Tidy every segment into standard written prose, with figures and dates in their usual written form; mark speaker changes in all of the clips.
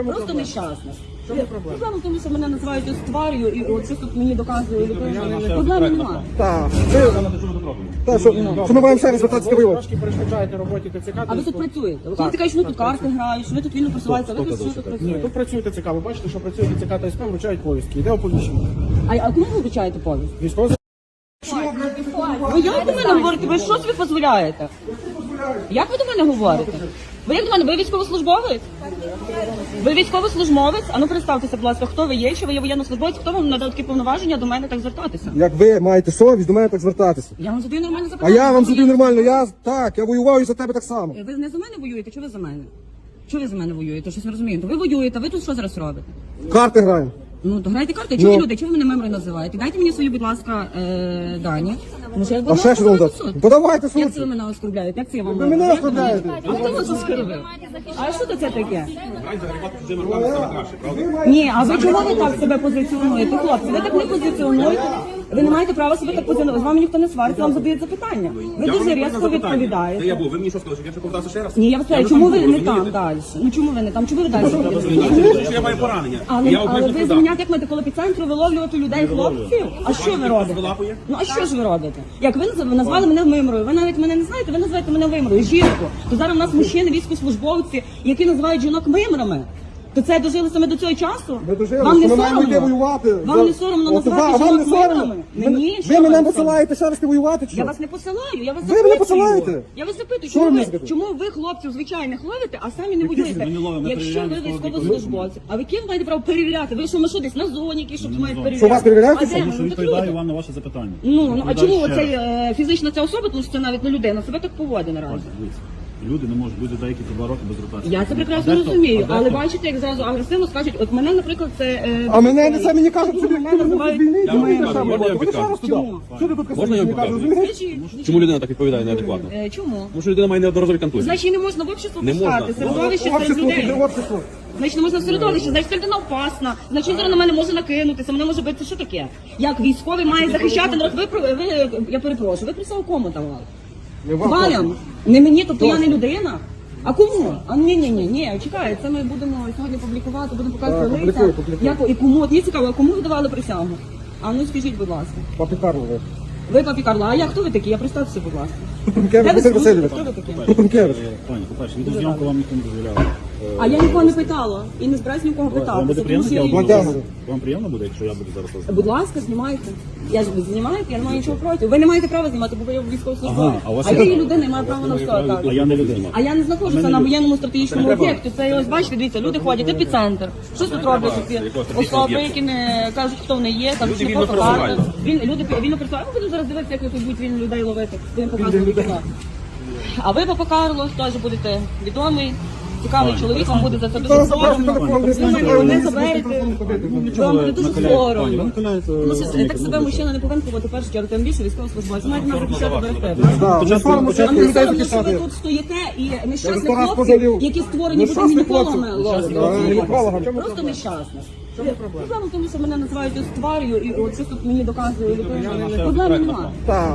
Speaker 1: Просто нещасна.
Speaker 2: Чому проблема?
Speaker 1: Проблема в тому, що мене називають ось тварю, і от щось тут мені доказує людина. Проблеми немає.
Speaker 2: Так. Що ми маємо ще раз звертатися до вилок? Трошки перешкоджаєте роботі ТЦК.
Speaker 1: А ви тут працюєте? Ви кажете, що ви тут карти грають, що ви тут вільно просуваєтеся, а ви тут що тут
Speaker 2: Ні,
Speaker 1: працюєте?
Speaker 2: тут працює ТЦК. Ви бачите, що працює ТЦК та СП, вручають повістки. Йде оповіщення.
Speaker 1: А кому ви вручаєте повість?
Speaker 2: Військово.
Speaker 1: Ви як до мене говорите? Ви що собі дозволяєте? Як ви до мене говорите? Ви як до мене? Ви військовослужбовець? Ви військовослужбовець? А ну представтеся, будь ласка, хто ви є, що ви є воєннослужбовець, хто вам надав такі повноваження до мене так звертатися?
Speaker 2: Як ви маєте совість, до мене так звертатися.
Speaker 1: Я вам задаю нормальне
Speaker 2: А
Speaker 1: запитання.
Speaker 2: я вам задаю нормально, я воював і за тебе так само.
Speaker 1: Ви не за мене воюєте, чи ви за мене? Чого ви за мене воюєте? Щось не розумію. То ви воюєте, ви тут що зараз робите?
Speaker 2: Карти граємо.
Speaker 1: Ну, то грайте карти. Чого ви люди? Чого ви мене мемори називаєте? Дайте мені свої, будь ласка, дані. Тому що я
Speaker 2: А ще що вам дати? Подавайте
Speaker 1: Як це ви
Speaker 2: суд.
Speaker 1: мене оскорбляєте? Як це я вам
Speaker 2: Ви мене оскорбляєте.
Speaker 1: А хто вас оскорбив? А що це таке? Ні, а ви чого ви так себе позиціонуєте? Хлопці, ви так не позиціонуєте. Ви не маєте права себе так позиціонувати. З вами ніхто не свариться, вам задають запитання. Ви дуже різко відповідаєте.
Speaker 3: Я був, ви мені що сказали, щоб я ще повертався ще раз?
Speaker 1: Ні, я вас питаю, чому ви не там далі? Ну чому ви не там? Чому ви далі?
Speaker 3: Що я маю поранення.
Speaker 1: Але
Speaker 3: Я
Speaker 1: ви
Speaker 3: обмежу туди.
Speaker 1: звільняти як маєте коло епіцентру виловлювати людей, хлопців? А що ви робите?
Speaker 3: Вилапує?
Speaker 1: Ну а що ж ви робите? Як ви назвали мене вимрою? Ви навіть мене не знаєте, ви називаєте мене вимрою, жінку. То зараз у нас мужчини, військовослужбовці, які називають жінок вимрами. То це дожили саме до цього часу?
Speaker 2: Ви дожили,
Speaker 1: Вам не
Speaker 2: що ми маємо йти
Speaker 1: соромно?
Speaker 2: воювати.
Speaker 1: Вам не соромно
Speaker 2: От
Speaker 1: називати
Speaker 2: вам не
Speaker 1: жінок
Speaker 2: соромно?
Speaker 1: вимрами? Мені
Speaker 2: Ви
Speaker 1: що
Speaker 2: мене
Speaker 1: вам
Speaker 2: посилаєте ще раз ти воювати чи
Speaker 1: Я
Speaker 2: що?
Speaker 1: вас не посилаю, я вас
Speaker 2: Ви
Speaker 1: запитую.
Speaker 2: мене посилаєте?
Speaker 1: Я вас запитую,
Speaker 2: Що ви
Speaker 1: чому
Speaker 2: мені
Speaker 1: ви,
Speaker 2: запитуєте?
Speaker 1: чому ви хлопців звичайних ловите, а самі не воюєте? Якщо ви військовослужбовці, а ви ким маєте право перевіряти? Ви що, ми що десь на зоні, які щоб мають перевіряти?
Speaker 2: Що, вас перевіряють?
Speaker 1: А де
Speaker 2: Тому
Speaker 1: ви?
Speaker 4: Що
Speaker 1: Ну, так
Speaker 4: відповідаю
Speaker 1: люди.
Speaker 4: вам на ваше запитання.
Speaker 1: Ну, а
Speaker 4: Відповідаю
Speaker 1: чому
Speaker 4: ще
Speaker 1: оцей
Speaker 4: раз.
Speaker 1: фізична ця особа, тому що це навіть не людина, себе так поводить наразі?
Speaker 4: Дивіться, люди не можуть бути деякі 2 роки без ротації.
Speaker 1: Я це прекрасно розумію, але бачите, як зразу агресивно скажуть, от мене, наприклад, це...
Speaker 2: А мене це мені кажуть, що
Speaker 1: мене
Speaker 2: ти
Speaker 1: називають...
Speaker 2: звільнити,
Speaker 3: Я вам
Speaker 2: думаєте,
Speaker 3: покажу,
Speaker 2: що
Speaker 3: можна я
Speaker 2: ви
Speaker 3: вам
Speaker 2: ще раз
Speaker 3: покажу?
Speaker 2: туди?
Speaker 1: Чому?
Speaker 2: Що ти тут
Speaker 3: Можна я
Speaker 2: мені
Speaker 3: вам
Speaker 2: кажеш,
Speaker 3: покажу?
Speaker 2: розумієш?
Speaker 3: Чому людина так відповідає неадекватно?
Speaker 1: Чому?
Speaker 3: Тому що людина має неодноразові контузії.
Speaker 1: Значить, її не можна в общество
Speaker 3: Не можна.
Speaker 1: пускати, середовище серед
Speaker 2: Общество,
Speaker 1: людей.
Speaker 2: де общество?
Speaker 1: Значить, не можна в середовище, значить, ця людина опасна, значить, зараз на мене може накинутися, мене може бити, що таке? Як військовий має захищати народ? Я перепрошую, ви присягу кому давали?
Speaker 2: Не вам,
Speaker 1: Валям? Не мені, тобто я не людина? А кому? А ні, чекай, це ми будемо сьогодні публікувати, будемо показувати
Speaker 2: Так,
Speaker 1: лиця.
Speaker 2: публікуй.
Speaker 1: Як, і кому? От мені цікаво, а кому ви давали присягу? А ну скажіть, будь ласка.
Speaker 2: Папі Карло, ви.
Speaker 1: Ви папі Карла, а я хто ви такі? Я представтеся, будь ласка.
Speaker 2: Трупенкевич
Speaker 1: Де ви
Speaker 2: Василь
Speaker 1: служите?
Speaker 2: Васильович.
Speaker 1: Хто ви такі?
Speaker 2: Трупенкевич.
Speaker 4: Пані, по-перше, відеозйомку вам ніхто не дозволяв.
Speaker 1: А я нікого не питала і не збираюсь нікого
Speaker 4: Вам
Speaker 1: питати.
Speaker 4: буде приємно,
Speaker 1: тому що
Speaker 4: я
Speaker 1: я-
Speaker 2: Владяну.
Speaker 4: Вам приємно буде, якщо я буду зараз вас
Speaker 1: Будь ласка, знімайте. Я ж ви знімаєте, я не маю нічого проти. Ви не маєте права знімати, бо ви військовослужбовець.
Speaker 4: Ага, а у вас
Speaker 1: А
Speaker 4: є
Speaker 1: я є
Speaker 4: право?
Speaker 1: людина і маю право на все. Так.
Speaker 4: А я не людина.
Speaker 1: А я не знаходжуся на воєнному стратегічному об'єкті. Це ось бачите, дивіться, люди ходять, епіцентр. Щось тут роблять ці особи, які не кажуть, хто вони є, кажуть, що
Speaker 3: Люди
Speaker 1: не
Speaker 3: вільно
Speaker 1: просто карти.
Speaker 3: пересуваються.
Speaker 1: Люди вільно працюють. Ми будемо зараз дивитися, як ви тут будуть вільно людей ловити. Будемо показувати кіно. А ви, папа Карло, теж будете відомий. Цікавий чоловік, вам буде за це дуже
Speaker 2: Зараз заберете
Speaker 1: соромно.
Speaker 2: телефон,
Speaker 1: Ви мене не заберете.
Speaker 4: Нічого
Speaker 1: Вам буде
Speaker 4: ви
Speaker 1: дуже
Speaker 4: накаляєте, пані, ви
Speaker 1: соромно.
Speaker 4: накаляєте,
Speaker 1: Тому що так себе
Speaker 4: ну,
Speaker 1: мужчина не повинен поводити в першу чергу, тим більше військовослужбовець. Маєте нас захищати берегти.
Speaker 2: Так, не соромно, що
Speaker 1: Вам
Speaker 2: ти
Speaker 1: не
Speaker 2: людей
Speaker 1: соромно, що ви
Speaker 2: захищати.
Speaker 1: тут стоїте і нещасних
Speaker 2: сто раз
Speaker 1: хлопців,
Speaker 2: позалів.
Speaker 1: які створені бути
Speaker 2: Нещасних
Speaker 1: гінекологами
Speaker 2: хлопців.
Speaker 1: ловлять.
Speaker 2: Гінеколога, в чому
Speaker 1: Просто
Speaker 2: проблема?
Speaker 1: нещасна. Проблема в тому, що мене називають ось тварю, і от щось тут мені доказує людина. Проблеми немає.
Speaker 2: Так.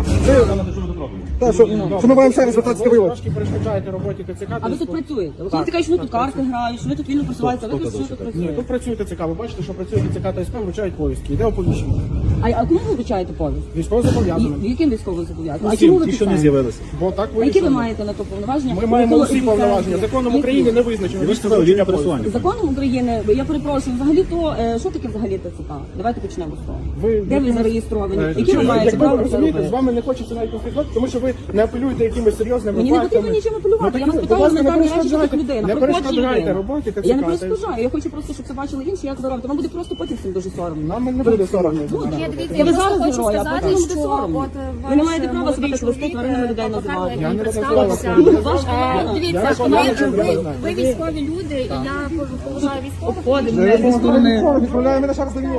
Speaker 2: Так, що ми маємо ще раз звертатися до вилок? Трошки перешкоджаєте роботі ТЦК.
Speaker 1: А ви тут працюєте? Ви кажете, що ви тут карти грають, що ви тут вільно просуваєтеся, а ви тут що тут
Speaker 2: Ні,
Speaker 1: працюєте?
Speaker 2: тут працює ТЦК. Ви бачите, що працює ТЦК та СП, вручають повістки. Йде оповіщення.
Speaker 1: А кому ви вручаєте повість?
Speaker 2: Військово зобов'язаний.
Speaker 1: Яким військовим зобов'язаним? А
Speaker 4: Всім,
Speaker 1: чому ви
Speaker 4: ті, що не
Speaker 1: писаєте?
Speaker 4: з'явилися.
Speaker 2: Бо так
Speaker 1: А які ви
Speaker 2: вирішено.
Speaker 1: маєте на то повноваження?
Speaker 2: Ми маємо
Speaker 1: Якого
Speaker 2: усі повноваження.
Speaker 1: епіцентру?
Speaker 2: Законом
Speaker 1: Які?
Speaker 2: України не визначено.
Speaker 4: Ви ж сказали, вільне пересування.
Speaker 1: Законом України, я перепрошую, взагалі то, що таке взагалі ТЦК? Давайте почнемо з того. Де ви зареєстровані? Які ви маєте право це
Speaker 2: розумієте, з
Speaker 1: робити?
Speaker 2: вами не хочеться навіть конфліктувати, тому що ви не апелюєте якимись серйозними
Speaker 1: Мені не
Speaker 2: фактами.
Speaker 1: потрібно нічим апелювати. Я вас
Speaker 2: будь
Speaker 1: питаю
Speaker 2: ласка, не
Speaker 1: елементарні речі, що
Speaker 2: перешкоджайте.
Speaker 1: тут людина.
Speaker 2: Не
Speaker 1: Приходжу
Speaker 2: перешкоджайте
Speaker 1: людина.
Speaker 2: роботі ТЦК.
Speaker 1: Я не перешкоджаю, я хочу просто, щоб це бачили інші, як ви робите. Вам буде просто потім всім дуже соромно.
Speaker 2: Нам не буде соромно.
Speaker 5: Ні, дивіться,
Speaker 1: Я ви
Speaker 5: просто
Speaker 1: зараз
Speaker 5: хочу
Speaker 1: герой, а
Speaker 5: сказати,
Speaker 1: потім буде
Speaker 5: що
Speaker 1: соромно.
Speaker 5: от
Speaker 1: Ви не
Speaker 5: ваш
Speaker 1: маєте права себе
Speaker 5: молодий
Speaker 1: так вести,
Speaker 5: чоловік,
Speaker 1: тваринами людей
Speaker 5: Павло
Speaker 1: називати.
Speaker 5: Карло,
Speaker 2: Я
Speaker 5: який
Speaker 2: не
Speaker 5: представився.
Speaker 2: розмовляла.
Speaker 1: Ваш колега.
Speaker 5: Дивіться,
Speaker 2: Я
Speaker 5: ви,
Speaker 2: знаю, що я знаю.
Speaker 5: ви військові люди, і я поважаю військових.
Speaker 1: Обходимо
Speaker 2: Я
Speaker 1: мене зі сторони.
Speaker 2: відправляю мене ще раз до нього.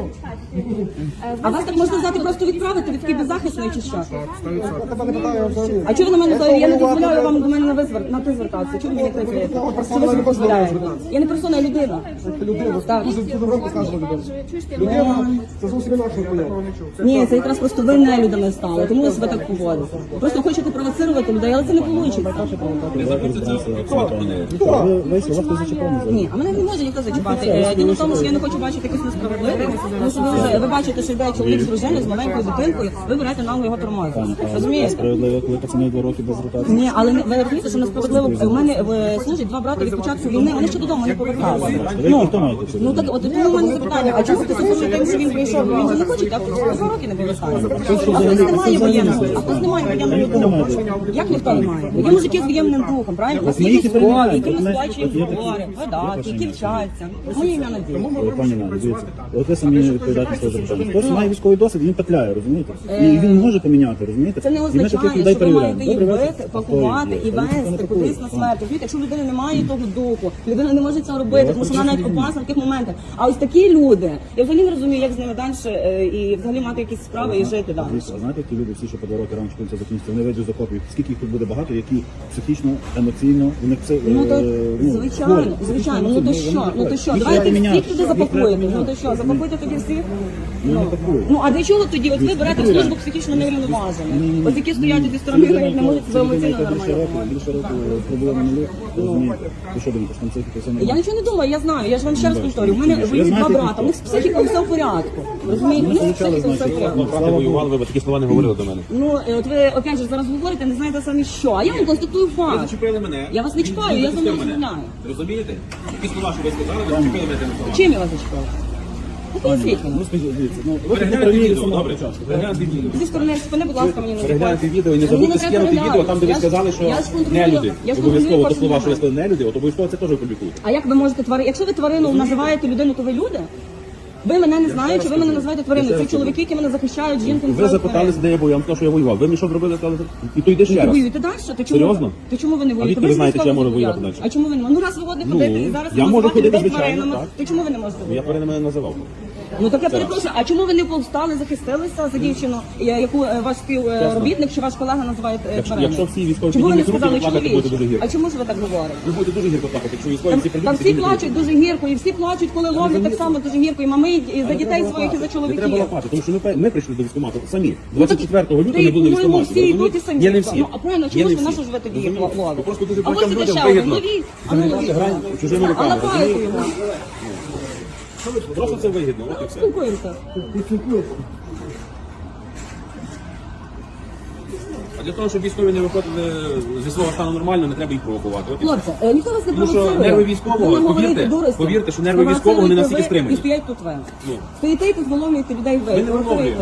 Speaker 1: А вас так можна взяти просто відправити, ви такий беззахисний чи що?
Speaker 2: Я тебе не питаю взагалі.
Speaker 1: А чого ви на мене заявили? Я не дозволяю вам до мене на ти звертатися. Чому ви не кричите? Що ви собі дозволяєте? Я не персона, я людина.
Speaker 2: Людина,
Speaker 1: Так.
Speaker 2: дуже добре сказано людина.
Speaker 5: Чуєш, ти
Speaker 2: Людина, це зовсім інакше поняття. такого не чув.
Speaker 1: Ні, це якраз просто ви нелюдами стали, тому ви себе так поводите. Просто хочете провоцирувати людей, але це не вийде.
Speaker 4: Ви вийшли, вас хтось зачепив не
Speaker 1: Ні, а мене не може ніхто зачіпати. Діло в тому, що я не хочу бачити якусь несправедливість, тому що ви бачите, що йде чоловік з дружиною, з маленькою дитинкою, ви берете нагло його тормозити. Розумієте?
Speaker 4: Справедливо, коли пацани 2 роки без ротації.
Speaker 1: Ні, але ви розумієте, що несправедливо. У мене служать 2 брати від початку війни, вони ще додому не поверталися.
Speaker 4: Ви хто маєте це?
Speaker 1: Ну так, от тому в мене запитання, а чому ти стосується тим, що він прийшов? Він же не хоче, так? 2 роки не повертається. А хтось не має воєнного, а хтось не має воєнного духу. Як ніхто не має? Є мужики з воєнним духом, правильно? У нас є військові, яким ми сплачуємо збори, видатки, які вчаться. Моє ім'я Надія.
Speaker 4: Пані Надя, дивіться, от ви самі не відповідаєте своє запитання. Хтось має військовий досвід, він петляє, розумієте? І він може поміняти, розумієте?
Speaker 1: Це не
Speaker 4: І ми таких
Speaker 1: означає,
Speaker 4: людей
Speaker 1: що ви маєте їх
Speaker 4: перевіряємо. Добре,
Speaker 1: бити, пакувати і вести кудись на смерть. Розумієте, якщо людина не має того духу, людина не може цього робити, тому що вона навіть опасна в таких моментах. А ось такі люди, я взагалі не розумію, як з ними далі і взагалі мати якісь справи і жити далі.
Speaker 4: А знаєте, ті люди, всі, що по 2 роки рано чи пізно закінчиться, вони вийдуть з окопів. Скільки їх тут буде багато, які психічно, емоційно, у них це
Speaker 1: Ну то
Speaker 4: хворі.
Speaker 1: звичайно, ну то що, ну то що,
Speaker 4: Їх
Speaker 1: давайте
Speaker 4: треба
Speaker 1: всіх
Speaker 4: міняти.
Speaker 1: туди запакуєте, ну то що, запакуйте тоді всіх?
Speaker 4: Ну, не пакують.
Speaker 1: Ну а для чого тоді? От ви берете в службу психічно неврівноважених. Ось які стоять зі сторони, і не можуть себе емоційно нормально.
Speaker 4: Більше року проблеми не є, розумієте? Ви що думаєте, що там психіка все
Speaker 1: Я
Speaker 4: нормально?
Speaker 1: нічого не думаю, я знаю, я ж вам ще раз повторю. У мене воюють 2 брата, у них з психікою все в порядку. Розумієте, у них з психікою все в порядку.
Speaker 3: Брати воювали, ви б такі слова не говорили до мене.
Speaker 1: Ну, от ви опять же зараз говорите, не знаєте самі що. А я вам констатую
Speaker 3: Ви
Speaker 1: факт.
Speaker 3: зачепили мене.
Speaker 1: Я вас не чіпаю, я з вами
Speaker 3: Він захистив мене.
Speaker 1: розмовляю.
Speaker 3: Розумієте? Які слова, що ви сказали, ви зачепили мене тими словами.
Speaker 1: Чим я вас зачіпаю? Ну, поясніть мені.
Speaker 4: Ну, скажіть, дивіться, ну, ви не
Speaker 3: Перегляньте
Speaker 4: праві
Speaker 3: відео,
Speaker 4: самого
Speaker 3: добре.
Speaker 4: початку.
Speaker 3: Перегляньте відео.
Speaker 1: Зі сторони спини, будь ласка, мені не
Speaker 3: Перегляньте відео і не
Speaker 1: Мені
Speaker 3: забудьте
Speaker 1: не треба
Speaker 3: скинути
Speaker 1: переглядати.
Speaker 3: відео там, де ви
Speaker 1: Я ж-
Speaker 3: сказали, що
Speaker 1: я ж контролюю-
Speaker 3: нелюди.
Speaker 1: я ж
Speaker 3: Обов'язково
Speaker 1: контролюю
Speaker 3: до слова,
Speaker 1: кожну
Speaker 3: що ви сказали нелюди, от обов'язково це теж опублікуйте.
Speaker 1: А як ви можете тварину? Якщо ви тварину називаєте людину, то ви люди? Ви мене не знаєте, ви мене називаєте твариною. Це чоловіки, які мене захищають, жінки
Speaker 3: Ви
Speaker 1: називають
Speaker 3: запиталися, де я був, я вам сказав, що я воював. Ви мені що зробили, сказали, і то йде ще
Speaker 1: Ви
Speaker 3: раз.
Speaker 1: воюєте далі? То чому?
Speaker 3: Серйозно?
Speaker 1: То чому ви не воюєте?
Speaker 3: відки ви
Speaker 1: ж
Speaker 3: знаєте, що я можу
Speaker 1: військово
Speaker 3: воювати
Speaker 1: зобов'язані.
Speaker 3: далі?
Speaker 1: А чому ви не можете? Ну раз ви годні ходити і зараз
Speaker 3: я можу
Speaker 1: називати
Speaker 3: ходити,
Speaker 1: людей
Speaker 3: звичайно,
Speaker 1: тваринами,
Speaker 3: так.
Speaker 1: то чому ви не можете
Speaker 3: Я
Speaker 1: воювати?
Speaker 3: тваринами не називав.
Speaker 1: Ну так я перепрошую, а чому ви не повстали, захистилися за дівчину, яку ваш співробітник чи ваш колега називає твариною?
Speaker 3: Якщо всі військові
Speaker 1: Чому ви не
Speaker 3: піднімуть руки,
Speaker 1: сказали
Speaker 3: плакати буде дуже
Speaker 1: чоловіче?
Speaker 3: гірко.
Speaker 1: А чому ж ви так говорите?
Speaker 3: Ви будете дуже гірко плакати, якщо військові всі
Speaker 1: Там
Speaker 3: прийдуть.
Speaker 1: всі плачуть дуже гірко, і всі плачуть, коли ловлять так само дуже гірко, і мами, і за дітей своїх, і за
Speaker 3: Не треба
Speaker 1: чоловіків.
Speaker 3: лапати, тому що ми прийшли до військкомату самі.
Speaker 1: Ну, так
Speaker 3: 24 лютого
Speaker 1: ти,
Speaker 3: не були
Speaker 1: по-моєму,
Speaker 3: військкоматі.
Speaker 1: всі йдуть і самі.
Speaker 3: Є не всі.
Speaker 1: Ну, а правильно,
Speaker 3: Є
Speaker 1: чому
Speaker 3: не
Speaker 1: ж ви
Speaker 3: всі.
Speaker 1: на що ж ви тоді їх
Speaker 3: Розумієте?
Speaker 1: ловите?
Speaker 3: Просто дуже
Speaker 1: А ось
Speaker 3: багатьом
Speaker 1: це
Speaker 3: людям
Speaker 1: ще один,
Speaker 3: вигідно.
Speaker 1: ловіть, а ну ловіть.
Speaker 3: Грань чужими
Speaker 1: А
Speaker 3: руками,
Speaker 1: лапайте
Speaker 3: розумієте?
Speaker 1: його.
Speaker 3: Просто це вигідно, от і все.
Speaker 1: Спілкуємося.
Speaker 3: А для того, щоб військові не виходили зі свого стану нормально, не треба їх провокувати. От і все.
Speaker 1: Хлопці, ніхто вас не
Speaker 3: Тому що
Speaker 1: провоцирує.
Speaker 3: нерви військового,
Speaker 1: Ви не говорите
Speaker 3: повірте,
Speaker 1: дурості.
Speaker 3: повірте, що нерви військового не настільки
Speaker 1: Провоцируєте ви,
Speaker 3: стримані.
Speaker 1: І стоять тут ви.
Speaker 3: Ну.
Speaker 1: Стоїте і тут виловлюєте людей ви.
Speaker 3: Ми не виловлюємо.